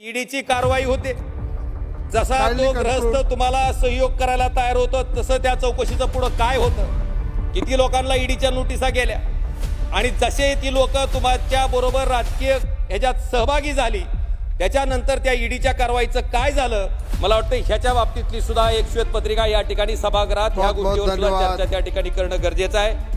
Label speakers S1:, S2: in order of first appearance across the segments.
S1: ईडीची कारवाई होते। जसा तो ग्रहस्थ तुम्हाला सहयोग करायला तयार होतो तसं त्या चौकशीचं पुढे काय होतं, किती लोकांना ईडीच्या नोटिसा गेल्या आणि जसे ती लोक तुमच्या बरोबर राजकीय ह्याच्यात सहभागी झाली त्याच्यानंतर त्या ईडीच्या कारवाईचं काय झालं, मला वाटतं ह्याच्या बाबतीतली सुद्धा एक श्वेतपत्रिका या ठिकाणी सभागृहात ह्या गोष्टीवर चर्चा त्या ठिकाणी करणं गरजेचं आहे।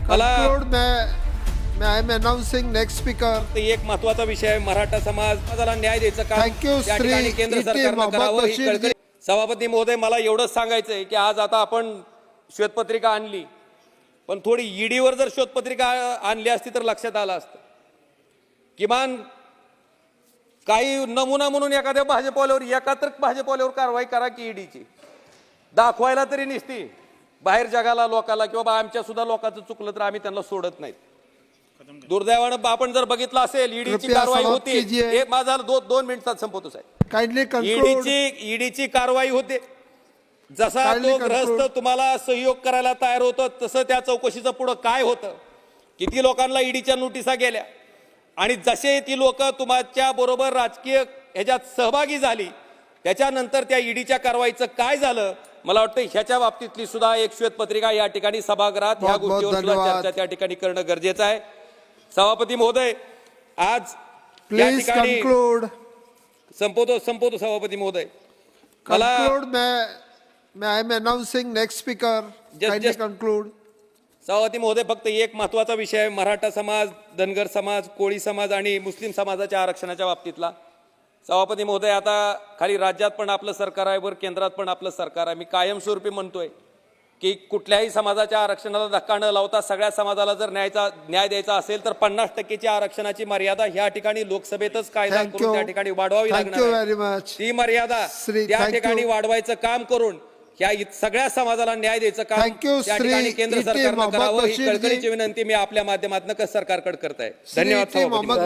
S2: I am announcing next speaker.
S1: एक महत्त्वाचा विषय आहे, मराठा समाजाला न्याय द्यायचं काम या ठिकाणी केंद्र सरकारनं करावं ही कळकळी। सभापती महोदय, मला एवढंच सांगायचं आहे की आज आता आपण श्वेतपत्रिका आणली, पण थोडी ईडीवर जर श्वेतपत्रिका आणली असती तर लक्षात आलं असतं। किमान काही नमुना म्हणून एखाद्या भाजपवाल्यावर एकात्र भाजपवाल्यावर कारवाई करा की ईडीची दाखवायला तरी निसती बाहेर जगाला लोकाला की बाबा आमच्या सुद्धा लोकांचं चुकलं तर आम्ही त्यांना सोडत नाहीत। दुर्दैवानं आपण जर बघितलं असेल ईडीची कारवाई होती, माझा 2 मिनिटात संपवतो साहेब। ईडीची कारवाई होते। जसा तो ग्रहस्थ तुम्हाला सहयोग करायला तयार होतो तसं त्या चौकशीचं पुढे काय होतं, किती लोकांना ईडीच्या नोटिसा गेल्या आणि जसे ती लोक तुमच्या बरोबर राजकीय ह्याच्यात सहभागी झाली त्याच्यानंतर त्या ईडीच्या कारवाईचं काय झालं, मला वाटतं ह्याच्या बाबतीतली सुद्धा एक श्वेतपत्रिका या ठिकाणी सभागृहात ह्या गोष्टीवर चर्चा त्या ठिकाणी करणं गरजेचं आहे। सभापती महोदय, आज या ठिकाणी संपवतो सभापती महोदय,
S2: I am announcing next speaker. Kindly conclude.
S1: सभापती महोदय, फक्त एक महत्त्वाचा विषय आहे, मराठा समाज, धनगर समाज, कोळी समाज आणि मुस्लिम समाजाच्या आरक्षणाच्या बाबतीतला। सभापती महोदय, आता खाली राज्यात पण आपलं सरकार आहे, वर केंद्रात पण आपलं सरकार आहे। मी कायमस्वरूपी म्हणतोय की कुठल्याही समाजाच्या आरक्षणाला धक्का न लावता सगळ्या समाजाला जर न्याय द्यायचा असेल तर 50% आरक्षणाची मर्यादा ह्या ठिकाणी लोकसभेतच कायदा करून त्या ठिकाणी वाढवावी लागणार। ती मर्यादा त्या ठिकाणी वाढवायचं काम करून ह्या सगळ्या समाजाला न्याय द्यायचं काम त्या ठिकाणी केंद्र सरकारनं करावं ही कळकळीची विनंती मी आपल्या माध्यमातून सरकारकडे करत आहे। धन्यवाद।